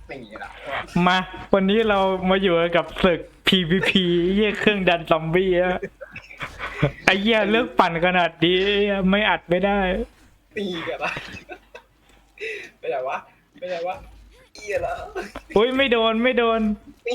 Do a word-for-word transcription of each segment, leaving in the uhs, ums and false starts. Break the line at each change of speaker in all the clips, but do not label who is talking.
ไม่มีละ
มาวันนี้เรามาอยู่กับศึก พี วี พี เยี่ยเครื่องดันซอมบี้อะไอ้เหี้ยเลือกปั่นขนาดนี้ไม่อัดไม่ได้
ตีกันละไม่ได้วะไม่ได้วะเอียละ
อุ้ยไม่โดนไม่โดน
ตี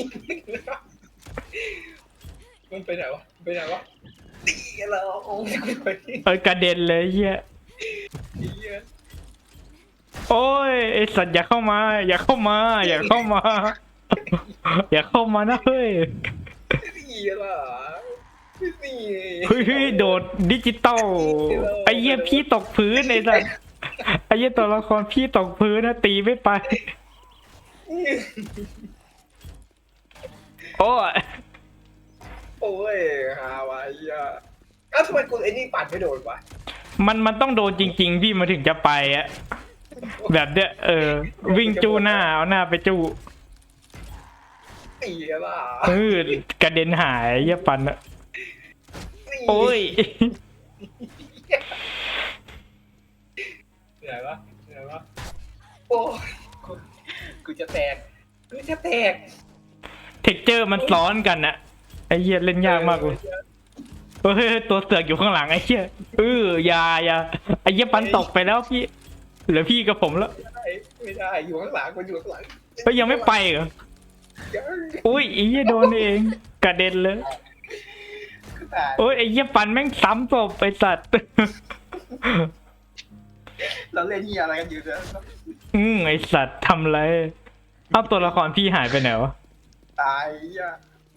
มันไปไหนวะไปไหนวะตีกันละโอ้ยไป
เออกระเด็นเลยเหี้ย
เอีย
โอ้ยไอสัตว์อย่าเข้ามา อย่าเข้ามา อย่าเข้ามา อย่าเข้ามานะเฮ้ย
ตีกันละตี
เฮ้ยโดดดิจิตอลไอ้เหี้ยพี่ตกพื้นไอ้สัตว์ไอ้เหี้ยตัวละครพี่ตกพื้นนะตีไม่ไปโอ้ย
โอ้ยฮาวายอ่ะอ้าวทำไมกูไอ้นี่ปั่นไม่โดนวะ
มันมันต้องโดนจริงๆพี่มาถึงจะไปอะแบบเนี้ยเออวิ่งจู้หน้าเอาหน้าไปจู้
ตีกันละ
เออกระเด็นหายเยี่ยปันอะโอ้ย
เหนื่อยวะเหนื่อยวะโอ้กูกูจะแตกกูจะแตก
เท็กเจอร์มันซ้อนกันอะไอ้เหี้ยเล่นยากมากเลยเฮ้ยตัวเสือกอยู่ข้างหลังไอ้เหี้ยเออยาอยาไอ้เหี้ยปันตกไปแล้วพี่เหลือพี่กับผมแล้ว
ไม่ได้ไม่ได้อยู่ข้างหลังกูอยู่ข้างหลัง
ก็ยังไม่ไปเหรออุ้ยไอ้เหี้ยโดนเองกระเด็นเลยโอ้ยไอ้เหี้ยปันแม่งซ้ำศพไปสัตว์
เราเล่นที่อะไรกันอยู่เนี่ย
อืมไอสัตว์ทำไรเอาตัวละครพี่หายไปไหนวะ
ตายอ่ะ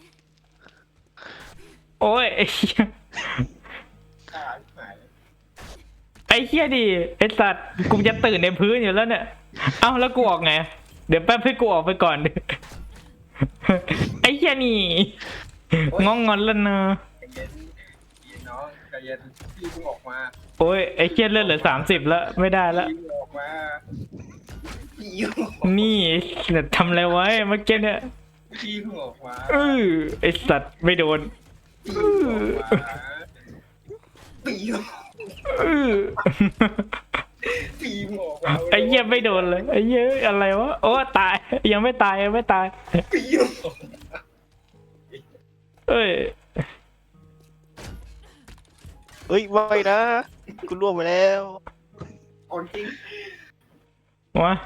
โอ้ยไอ้เหี้ย
ตายหาย
ไอ้เหี้ยดิไอสัตว์กูจะตื่นในพื้นอยู่แล้วเนี่ยเอ้าแล้วกูออกไงเดี๋ยวแป๊บให้กูออกไปก่อนไอ้เหี้ยนี่งองงอนแล้วนะ
ใจเย็นเย็นน้องใจเย็นพี่เพิ่งออกมา
โอ้ยไอ้เหี้ยเลือดเหลือสามสิบแล้วไม่ได้แล้ว
พี่ออกมาพี่
นี่เนี่ยทำอะไรไว้เมื่อกี้เนี่ย
พี่เพิ่งออกมา
เออไอสัตว์ไม่โดน
พี่ออกมา
เออ
พี่ออกมา
ไอ้เหี้ยไม่โดนเลยไอ้เหี้ยอะไรวะโอ้ตายยังไม่ตายยังไม่ตาย
พี่ออกมา
เอ้ย
เฮ้ยไม่นะกูร่วงไปแล้ว
อ่อนจริง
วะ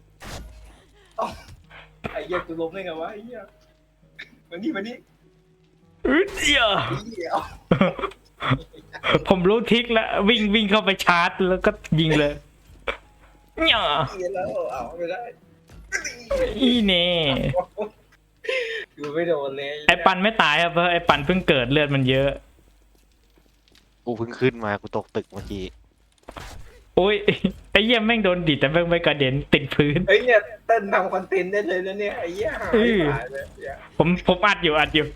ไอ้เหี้ยกูล้มได้ไงวะไอ้เหี้ยมานี่มานี่
อึดเดียวผมรู้ทิกแล้ววิ่งวิ่งเข้าไปชาร์จแล้วก็ยิงเลยเนี่ย
แล้วเอาไม่ได้
อีเน่
กูไม่โดนเลย
ไอปันไม่ตายครับเพราะไอปันเพิ่งเกิดเลือดมันเยอะ
กูเพิ่งขึ้นมากูตกตึกเมื่อกี้
โอ้ยไอเยี่ยมแม่งโดนดิดแต่แม่งไม่กระเด็นติดพื้น
เฮ้ยเนี่ยเต้นทำคอนเทนต์ได้เลยนะเนี่ยไอ้เหี้ยหายเลย
ผมผมอัดอยู่อัดอยู่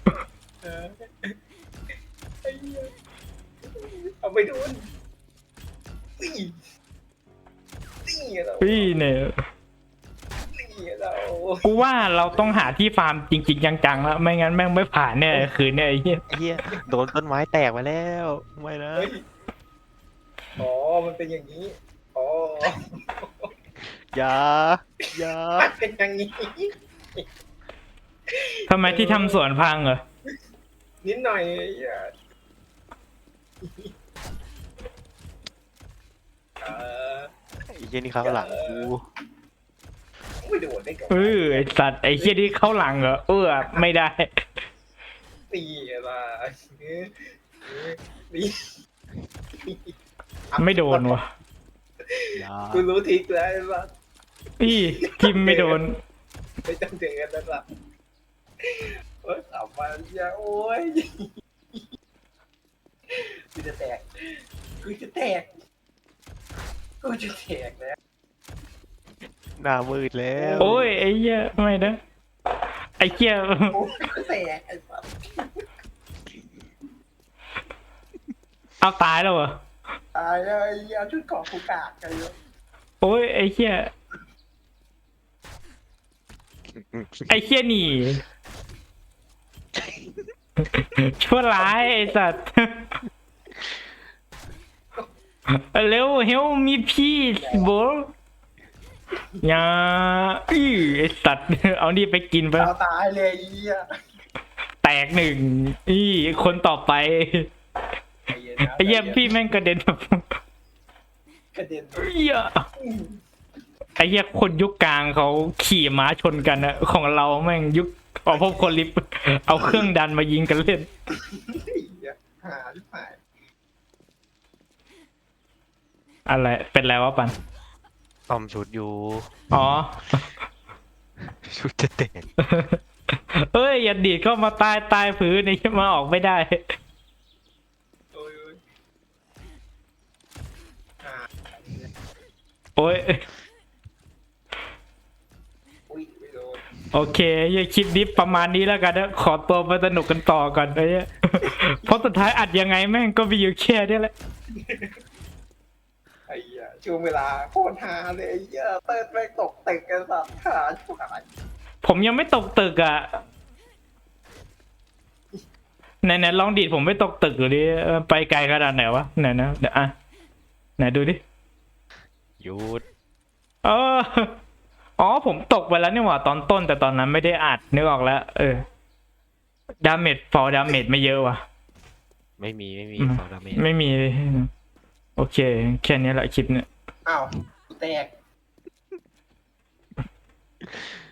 เอาไปดูนี่นี่เรา
พี่เนี่ย
นี่เรา
กูว่าเราต้องหาที่ฟาร์มจริงๆจังๆแล้วไม่งั้นแม่งไม่ผ่านเนี่ยคืนเนี่ยไอ้เหี้ย
ไอ้เหี้ยโดนต้นไม้แตกไปแล้วไม่นะ
อ๋อมันเป็นอย่างนี้อ๋อ
อย่าอย่า
เป็นอย่างนี้
ทำไมที่ทำสวนพังเหรอ
นิดหน่อยอ่ะ
ไอ้เหี้ยนี่ข้างหลังกู
ไม่โดนได้ก่อน
เออไอสัตว์ไอเหี้ยที่เข้าหลังเหรอเออไม่ได้
ตีอะไรตี
ไม่โดนวะ
กูรู้ทิกแล้วว่า
พี่ทิมไม่โดน
ไม่ต้องเจอกันแล้วล่ะโอ้ยสามวันยาโอ้ยกูจะแตกกูจะแตกกูจะแตกแล้ว
หน้ามืดแล้ว
โอ้ยไอ้เหี้ยไม่นะไอ้เหี้ย
แตกไอ้สัส
เอาตายแล้วเหรอ
ตายแล้วไอ้เหี้ยชุดเกาะกูกากกันเลย
โอ้ยไอ้เหี้ยไอ้เหี้ยหนีชั่วร้ายไอ้สัตว์เร็วเฮลมีพีซบอยาอื้อไอสัตว์เอานี่ไปกินไป
เอาตายเลยไอ้เหี้ย
แตกหนึ่งอีคนต่อไป
ใจเย็นนะ
ไอ้เหี้ยพี่แม่งกระเด็นแบบ
กระเด็น
เหี้ยไอ้เหี้ยคนยุคกลางเขาขี่ม้าชนกันอะของเราแม่งยุคออพบคนลิฟต์เอาเครื่องดันมายิงกันเล่น
ไอ้เหี้ยหาที่หาย
อะไรเป็นไรวะปัน
ต้อมชุดอยู่
อ๋อ
ชุดจะแตก
เอ้ยอย่าดีดเข้ามาใต้ใต้พื้นนี่มาออกไม่ได้
โอ้ยโอ้ยหา
โอ้ย
อุ้ยไม่โดน
โอเคอย่าคลิปนี้ประมาณนี้แล้วกันนะขอตัวไปสนุกกันต่อก่อนไอ้เหี้ย เพราะสุดท้ายอัดยังไงแม่งก็มีอยู่แค่นี้แหละ
ไอ้เหี้ยช่วงเวลาโคตรฮาเลยไอ้เหี้ยเติร์ดแม่งตกตึกกันสัตว์ขาชิบหาย
ผมยังไม่ตกตึกอ่ะไหนๆลองดีดผมไม่ตกตึกหรือดิเออไปไกลขนาดไหนวะไหนนะเดี๋ยวอ่ะไหนดูดิ
หยุด
เอออ๋อผมตกไปแล้วนี่หว่าตอนต้นแต่ตอนนั้นไม่ได้อัดนึกออกแล้ว เออดาเมจฟอลดาเมจไม่เยอะว่ะ
ไม่มีไม่มี
อืม
ฟองดาเมจ
ไม่มีเลยโอเค แค่นี้แหละคลิปเนี่ย
อ้าวกูแตก